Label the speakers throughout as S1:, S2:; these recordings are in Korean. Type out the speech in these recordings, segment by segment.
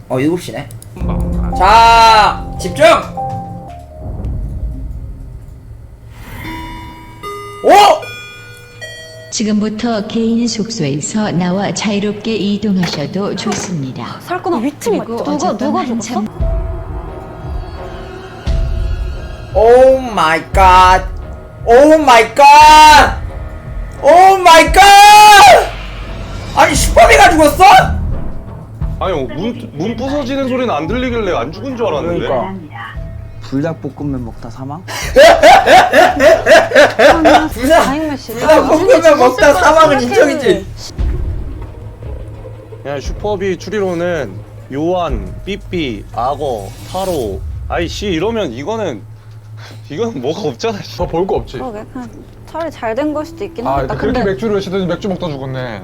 S1: 7시네. 자, 집중! 오!
S2: 지금부터 개인 숙소에서 나와 자유롭게 이동하셔도 좋습니다.
S3: 살거나 위층 맞죠? 누가 죽었어?
S1: 오 마이 갓. 오 마이 갓. 오 마이 갓. 아니 슈퍼비가 죽었어?
S4: 아니 문 부서지는 소리는 안 들리길래 안 죽은 줄 알았는데.
S5: 그러니까 불닭볶음면 먹다 사망?
S1: 불닭볶음면 먹다 사망은 인정이지.
S4: 그냥 슈퍼비 추리로는 요한, 삐삐, 악어, 타로, 아이씨 이러면 이거는 뭐가 없잖아.
S6: 더 볼 거 없지.
S3: 그러게 그냥 차라리 잘 된 걸 수도 있긴
S6: 아,
S3: 하겠다.
S6: 그렇게 맥주를 시더니 맥주 먹다 죽었네.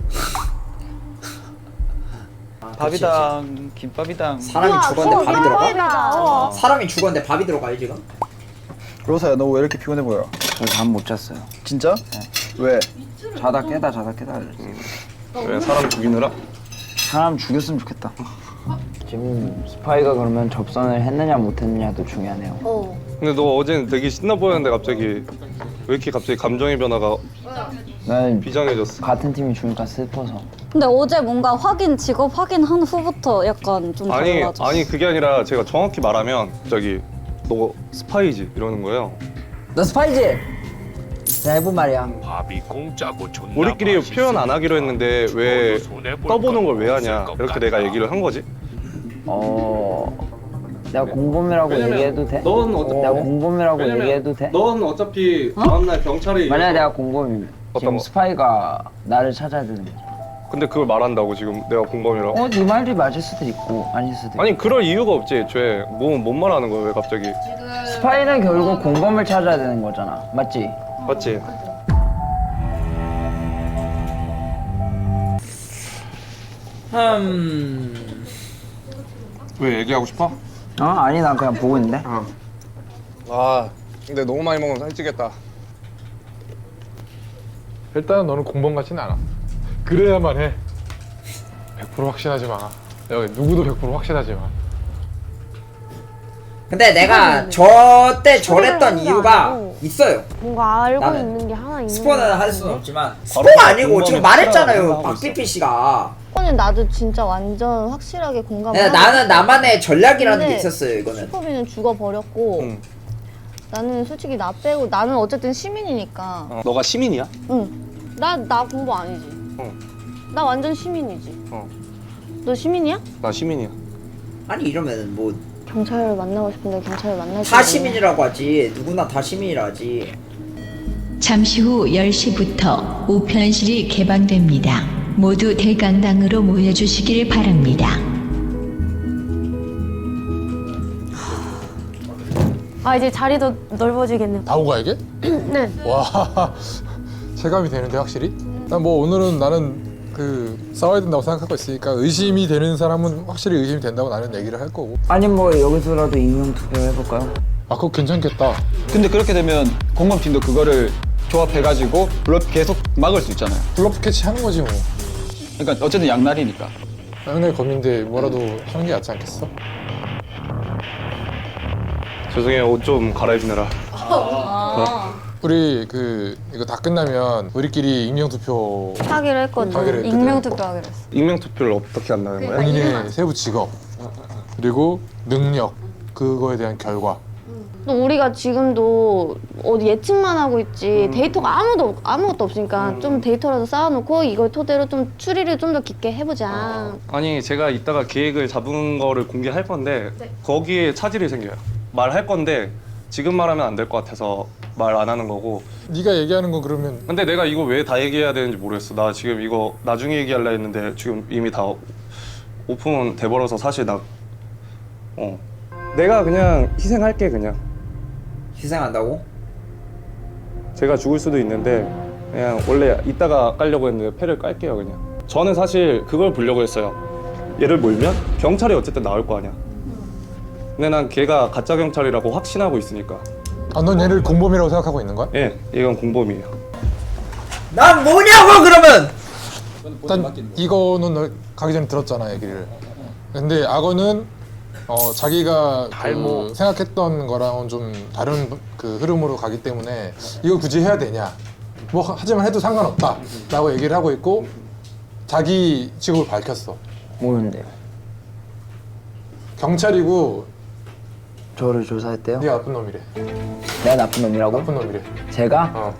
S5: 밥이당, 김밥이당.
S1: 사람이 죽었는데 밥이 들어가? 사람이 죽었는데 밥이 들어가요 지금?
S5: 로사야, 너 왜 이렇게 피곤해 보여? 저 잠 못 잤어요. 진짜? 네. 왜? 자다 깨다
S4: 왜 사람 죽이느라?
S5: 사람 죽였으면 좋겠다. 지금 스파이가 그러면 접선을 했느냐 못했느냐도 중요하네요.
S4: 근데 너 어제는 되게 신나 보였는데 갑자기 왜 이렇게 갑자기 감정의 변화가
S5: 나는
S4: 비장해졌어?
S5: 같은 팀이 죽으니까 슬퍼서.
S3: 근데 어제 뭔가 직업 확인한 후부터 약간 좀 달라졌어.
S4: 아니 그게 아니라 제가 정확히 말하면 갑자기 너 스파이지 이러는 거예요.
S5: 너 스파이지? 내가 해본 말이야.
S7: 밥이 공짜고 존나
S4: 우리끼리
S7: 맛있어.
S4: 표현 안 하기로 했는데 왜 떠보는 걸 왜 하냐 이렇게 내가 얘기를 한 거지.
S5: 내가 공범이라고 얘기해도 돼?
S4: 넌 어차피
S5: 내가 공범이라고 얘기해도 돼?
S4: 넌 어차피 다음날 경찰이
S5: 만약에 내가 공범이면
S4: 어떤
S5: 지금
S4: 거?
S5: 스파이가 나를 찾아야 되는 거야.
S4: 근데 그걸 말한다고 지금 내가 공범이라고?
S5: 네 말이 맞을 수도 있고 아닐 수도 있고.
S4: 아니 그럴 이유가 없지 애초에 뭔 말하는 거야 왜 갑자기.
S5: 스파이는 결국 공범을 찾아야 되는 거잖아. 맞지?
S4: 맞지?
S6: 왜 얘기하고 싶어?
S5: 아니 난 그냥 보고 있는데.
S4: 아 근데 너무 많이 먹으면 살찌겠다.
S6: 일단은 너는 공범 같지는 않아. 그래야만 해. 100% 확신하지 마. 여기 누구도 100% 확신하지 마.
S1: 근데 내가 저때 저랬던 이유가 있어요.
S8: 뭔가 알고
S1: 나는
S8: 있는 게 하나 있는
S1: 스포는 할 수는 없지만 스포가
S4: 바로
S1: 아니고 지금
S4: 공범이
S1: 말했잖아요
S4: 하고
S1: 박피피 씨가.
S8: 슈퍼는 나도 진짜 완전 확실하게 공감을
S1: 나는 나만의 전략이라는 게
S8: 근데
S1: 있었어요 이거는.
S8: 슈퍼비는 죽어버렸고
S4: 응.
S8: 나는 솔직히 나 빼고 나는 어쨌든 시민이니까
S4: 너가 시민이야?
S8: 나 공부 아니지 나 완전 시민이지 너 시민이야?
S4: 나 시민이야.
S1: 아니 이러면 뭐 다
S8: 경찰을 만나고 싶은데 경찰을 만날 수
S1: 시민이라고 하지. 누구나 다 시민이라 하지.
S2: 잠시 후 10시부터 우편실이 개방됩니다. 모두 대강당으로 모여주시길 바랍니다.
S8: 아 이제 자리도 넓어지겠네요.
S6: 다 오가 이게?
S8: 네.
S6: 와, 체감이 되는데 확실히? 난 뭐 오늘은 나는 그 싸워야 된다고 생각하고 있으니까 의심이 되는 사람은 확실히 의심이 된다고 나는 얘기를 할 거고.
S5: 아니 뭐 여기서라도 익명 투표 해볼까요?
S6: 아 그거 괜찮겠다.
S9: 근데 그렇게 되면 공범팀도 그거를 조합해가지고 블러프 계속 막을 수 있잖아요.
S6: 블러프 캐치 하는 거지 뭐.
S9: 그러니까 어쨌든 양날이니까.
S6: 양날 검인데 뭐라도 하는 게 낫지 않겠어?
S4: 죄송해요 옷 좀 갈아입느라.
S6: 우리 이거 다 끝나면 우리끼리 익명 투표
S3: 하기로 했거든.
S6: 하기로 했거든.
S3: 익명 투표하기로 했어.
S4: 익명 투표를 어떻게 한다는 거야?
S6: 본인의 세부 직업 그리고 능력 그거에 대한 결과.
S8: 또 우리가 지금도 어디 예측만 하고 있지 데이터가 아무것도 없으니까 좀 데이터라도 쌓아놓고 이걸 토대로 좀 추리를 좀 더 깊게 해보자.
S4: 아니 제가 이따가 계획을 잡은 거를 공개할 건데 거기에 차질이 생겨요. 말할 건데 지금 말하면 안 될 것 같아서 말 안 하는 거고.
S6: 네가 얘기하는 건 그러면
S4: 근데 내가 이거 왜 다 얘기해야 되는지 모르겠어. 나 지금 이거 나중에 얘기하려 했는데 지금 이미 다 오픈 돼버려서 사실 내가 그냥 희생할게 그냥.
S1: 희생한다고?
S4: 제가 죽을 수도 있는데 그냥 원래 이따가 깔려고 했는데 패를 깔게요 그냥. 저는 사실 그걸 보려고 했어요. 얘를 몰면 경찰이 어쨌든 나올 거 아니야. 근데 난 걔가 가짜 경찰이라고 확신하고 있으니까.
S6: 넌 얘를 공범이라고 생각하고 있는 거야?
S4: 예, 이건 공범이에요.
S1: 난 뭐냐고 그러면!
S6: 일단 이거는 너 가기 전에 들었잖아 얘기를. 근데 악어는 자기가 그 생각했던 거랑은 좀 다른 그 흐름으로 가기 때문에 이걸 굳이 해야 되냐? 뭐 하지만 해도 상관없다라고 얘기를 하고 있고 자기 직업을 밝혔어.
S5: 모르는데요.
S6: 경찰이고
S5: 저를 조사했대요?
S6: 네가 나쁜 놈이래.
S5: 내가 나쁜 놈이라고?
S6: 나쁜 놈이래.
S5: 제가?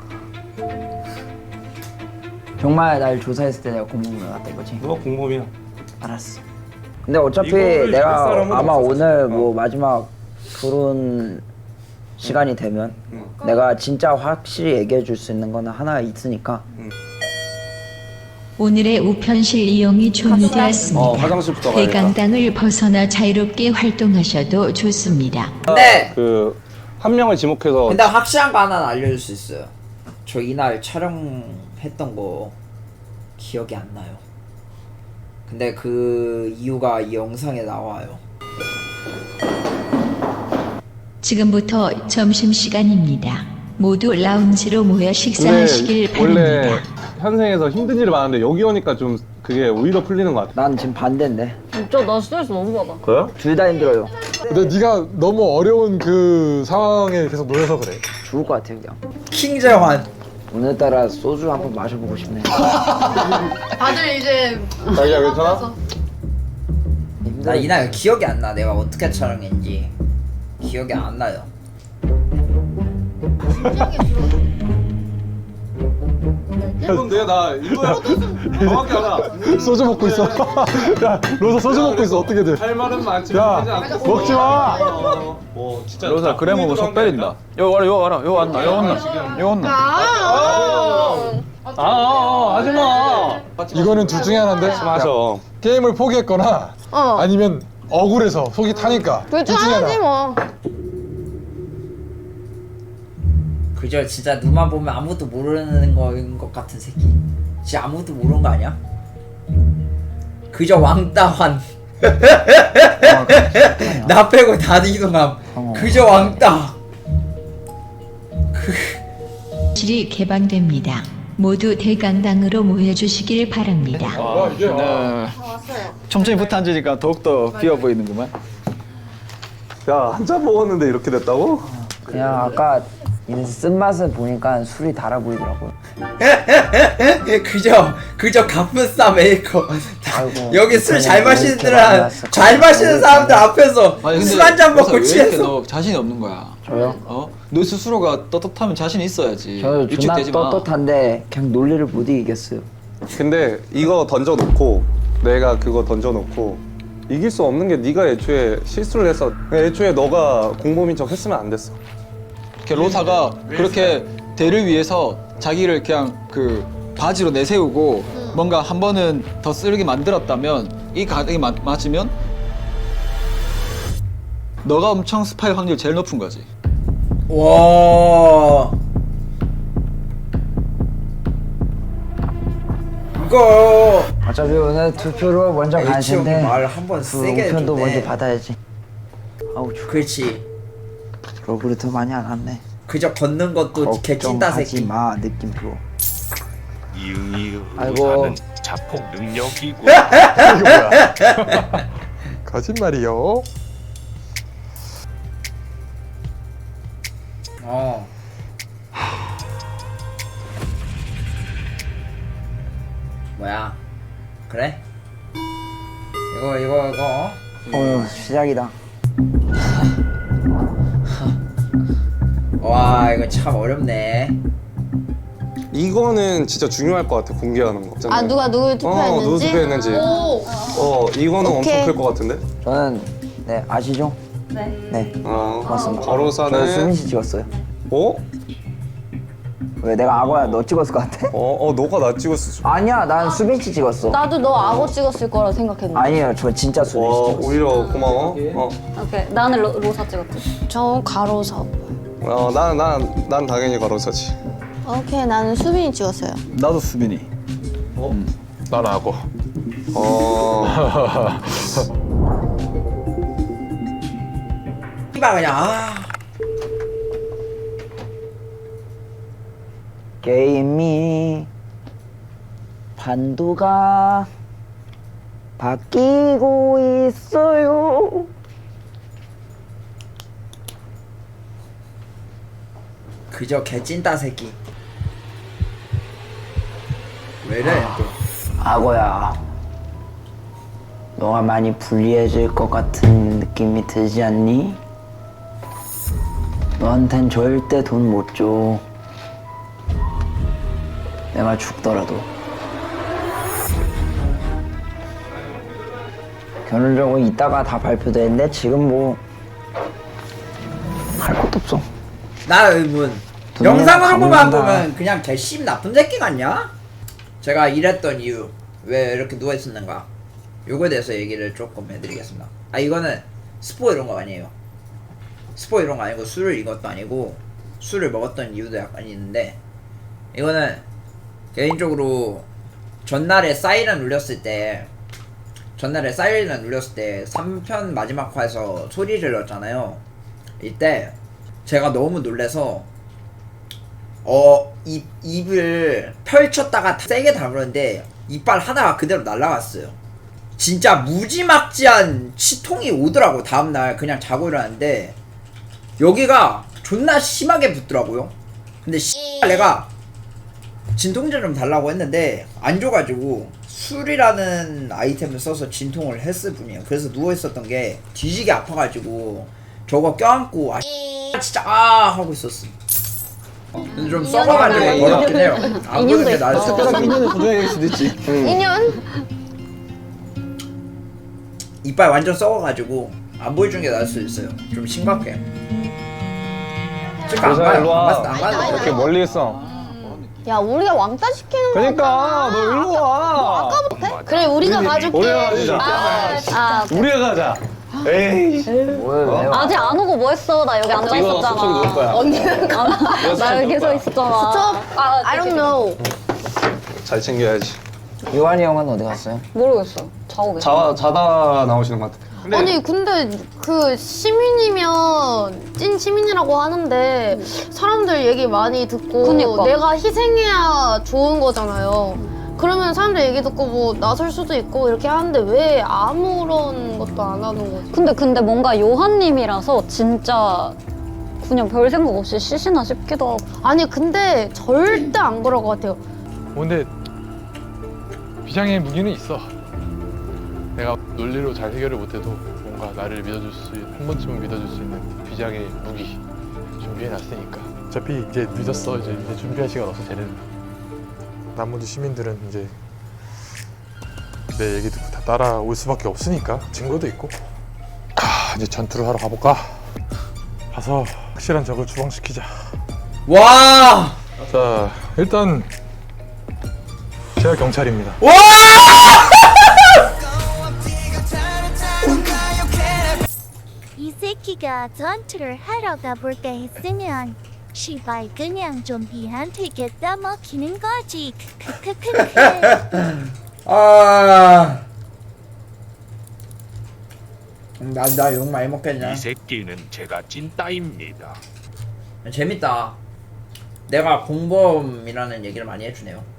S5: 정말 날 조사했을 때 내가 공범으로 나왔던 거지?
S4: 누가 공범이야?
S5: 알았어. 근데 어차피
S4: 이거를
S5: 내가
S4: 믿을 사람은
S5: 아마
S4: 없었어.
S5: 오늘 뭐 마지막 결혼 시간이 되면 내가 진짜 확실히 얘기해 줄 수 있는 거는 하나 있으니까.
S2: 오늘의 우편실 이용이 종료되었습니다.
S4: 화장실부터 가야겠다.
S2: 대강당을 벗어나 자유롭게 활동하셔도 좋습니다.
S1: 근데
S4: 그 한 명을 지목해서
S1: 근데 확실한 거 하나 알려줄 수 있어요. 저 이날 촬영했던 거 기억이 안 나요. 근데 그 이유가 이 영상에 나와요.
S2: 지금부터 점심시간입니다. 모두 라운지로 모여 식사하시길
S4: 원래
S2: 바랍니다.
S4: 현생에서 힘든 일이 많은데 여기 오니까 좀 그게 오히려 풀리는 것 같아.
S5: 난 지금 반대인데.
S3: 진짜 나 스트레스 너무 받아.
S4: 그래요?
S5: 둘 다 힘들어요.
S6: 근데 네가 너무 어려운 그 상황에 계속 놓여서 그래.
S5: 죽을 것 같아요 그냥.
S1: 킹재환.
S5: 오늘따라 소주 한 번 마셔보고 싶네.
S8: 다들 이제
S4: 자기야 괜찮아?
S1: 나 이날 기억이 안 나. 내가 어떻게 촬영했는지 기억이 안 나요.
S4: 이건데 나 이거야. 정확히 알아.
S6: 소주 먹고 있어. 야, 로사 소주 먹고 있어. 어떻게든.
S4: 할 말은 많지만
S6: 야,
S4: 하지 않고.
S6: 먹지 마.
S4: 뭐 진짜
S9: 로사 그래 먹으면 속 빼린다. 요 와라 요 와라 요 왔나 요 왔나 요 왔나.
S4: 하지 마.
S6: 이거는 둘 중에 하나인데.
S4: 맞아.
S6: 야, 게임을 포기했거나 아니면 억울해서 속이 타니까.
S8: 둘 중 하나지 뭐.
S1: 그저 진짜 눈만 보면 아무것도 모르는 거인 것 같은 새끼. 진짜 아무것도 모르는 거 아니야? 그저 왕따환. 나 빼고 다 이동함. 그저 왕따.
S2: 실이 개방됩니다. 모두 대강당으로 모여주시길 바랍니다.
S9: 네. 천천히 붙어 앉으니까 더욱더 비어 보이는구만.
S4: 야, 한 잔 먹었는데 이렇게 됐다고?
S5: 그냥 아까 이 쓴맛을 보니까 술이 달아 보이더라고요.
S1: 그저 가뿐싸 메이커.
S5: 아이고,
S1: 여기 술 잘 마시는
S5: 이렇게 많이
S1: 사람,
S5: 왔어.
S1: 잘 마시는 사람들 앞에서
S9: 아니, 근데
S1: 술 한 잔 먹고
S9: 왜 이렇게
S1: 취해서.
S9: 너 자신이 없는 거야?
S5: 저요?
S9: 어? 너 스스로가 떳떳하면 자신이 있어야지.
S5: 저 존나
S9: 위축되지 마.
S5: 떳떳한데 그냥 논리를 못 이기겠어요.
S4: 근데 이거 던져놓고 내가 그거 던져놓고 이길 수 없는 게 네가 애초에 실수를 했어. 애초에 너가 공범인 척 했으면 안 됐어.
S9: 이렇게 로사가 그렇게 대를 위해서 자기를 그냥 그 바지로 내세우고 뭔가 한 번은 더 쓰르게 만들었다면 이 가닥이 맞으면 너가 엄청 스파일 확률 제일 높은 거지.
S1: 와. 이거
S5: 어차피 오늘 투표로 먼저 갈
S1: H 형
S5: 텐데
S1: 말 한번
S5: 그
S1: 세게
S5: 우편도
S1: 해줬네.
S5: 먼저 받아야지. 아우 좋.
S1: 그렇지.
S5: 러브를 더 많이 안 왔네.
S1: 그저 걷는 것도 개찐다
S5: 걱정하지
S1: 새끼.
S5: 마 느낌표.
S7: 이응이응
S5: 아이고.
S7: 하는 자폭 능력이고
S6: 이거 뭐야? 거짓말이요.
S1: 어. 뭐야? 그래? 이거.
S5: 시작이다.
S1: 와, 이거 참 어렵네.
S4: 이거는 진짜 중요할 것 같아. 공개하는 거.
S8: 아 누가 누굴 투표했는지?
S4: 누구 투표했는지. 이거는
S8: 오케이.
S4: 엄청 클 것 같은데?
S5: 저는 네 아시죠? 네.
S4: 고맙습니다.
S5: 저는
S4: 거로사는
S5: 수민 씨 찍었어요.
S4: 어?
S5: 왜 내가 악어야? 너 찍었을 것 같아?
S4: 너가 나 찍었어.
S5: 아니야, 난 수빈 씨 찍었어.
S8: 나도 너 악어 찍었을 거라 생각했는데.
S5: 아니에요, 저 진짜 수빈 씨 찍었어.
S4: 오히려 고마워.
S3: 오케이. 나는 로사 찍었지.
S8: 저 가로사.
S4: 난 당연히 거로사지.
S8: 오케이 나는 수빈이 찍었어요.
S9: 나도 수빈이.
S6: 난 악어.
S1: 이봐 그냥. 아.
S5: 게임이 판도가 바뀌고 있어요.
S1: 그저 개찐따 새끼. 왜래 또?
S5: 악어야, 너가 많이 불리해질 것 같은 느낌이 들지 않니? 너한텐 절대 돈 못 줘. 내가 죽더라도. 결론적으로 이따가 다 발표되는데 지금 뭐 할 것도 없어.
S1: 나 뭐
S5: 돈
S1: 영상으로만
S5: 갚는다.
S1: 보면 그냥 개씹 나쁜 새끼 같냐? 제가 이랬던 이유, 왜 이렇게 누워 있었는가? 요거에 대해서 얘기를 조금 해드리겠습니다. 아, 이거는 스포 이런 거 아니에요. 스포 이런 거 아니고 술을 이것도 아니고 술을 먹었던 이유도 약간 있는데, 이거는 개인적으로 전날에 사이렌 울렸을 때 3편 마지막 화에서 소리를 질렀잖아요. 이때 제가 너무 놀래서 입을 펼쳤다가 세게 다물었는데 이빨 하나가 그대로 날라갔어요. 진짜 무지막지한 치통이 오더라고. 다음날 그냥 자고 일어났는데 여기가 존나 심하게 붓더라고요. 근데 내가 진통제 좀 달라고 했는데 안 줘가지고 술이라는 아이템을 써서 진통을 했을 뿐이에요. 그래서 누워있었던 게 뒤지게 아파가지고 저거 껴안고 진짜 하고 있었어. 근데 좀 썩어가지고 더럽긴 해요. 안 보는 게 나을 수도 있어.
S9: 2년을 보존해야 될 수도 있지.
S8: 2년?
S1: 이빨 완전 썩어가지고 안 보여주는 게 나을 수도 있어요. 좀 심각해. 안
S4: 여자 일로 와.
S1: 가요.
S4: 이렇게 멀리 있어.
S8: 야 우리가 왕따 시키는 거.
S4: 그러니까 너 일로 와.
S8: 그래 우리가 가줄게.
S4: 우리가 가자.
S8: 아,
S4: 우리가 가자. 에이.
S3: 아직 안 오고 뭐 했어? 나 여기 앉아
S4: 이거 저쪽에 놓을 거야.
S3: 있었잖아. 언니는 나 여기 서 있었잖아.
S8: 스톱. I don't know.
S4: 잘 챙겨야지.
S5: 요한이 형은 어디 갔어요?
S3: 모르겠어. 자고 계셔.
S4: 자다 나오시는 것 같아.
S8: 아니 근데 그 시민이면 찐 시민이라고 하는데 사람들 얘기 많이 듣고
S3: 그니까.
S8: 내가 희생해야 좋은 거잖아요. 그러면 사람들 얘기 듣고 뭐 나설 수도 있고 이렇게 하는데 왜 아무런 것도 안 하는 거지?
S3: 근데 뭔가 요한님이라서 진짜 그냥 별 생각 없이 쉬시나 싶기도 하고.
S8: 아니 근데 절대 안 그럴 것 같아요.
S6: 근데 비장의 무기는 있어. 내가 논리로 잘 해결을 못해도 뭔가 나를 믿어줄 수 한 번쯤은 믿어줄 수 있는 비장의 무기 준비해놨으니까. 어차피 이제 늦었어. 이제 준비할 시간 없어. 쟤는. 나머지 시민들은 이제 내 얘기 듣고 다 따라올 수밖에 없으니까 증거도 있고. 이제 전투를 하러 가볼까? 가서 확실한 적을 추방시키자.
S1: 와!
S6: 자, 일단 제가 경찰입니다.
S1: 와!
S10: 이 새끼가 전투를 하러 가볼까 했으면 시발 그냥 좀비한테 겠다 먹히는 거지. 크크크크.
S1: 나 욕 많이 먹겠냐?
S7: 이 새끼는 제가 찐따입니다.
S1: 재밌다. 내가 공범이라는 얘기를 많이 해주네요.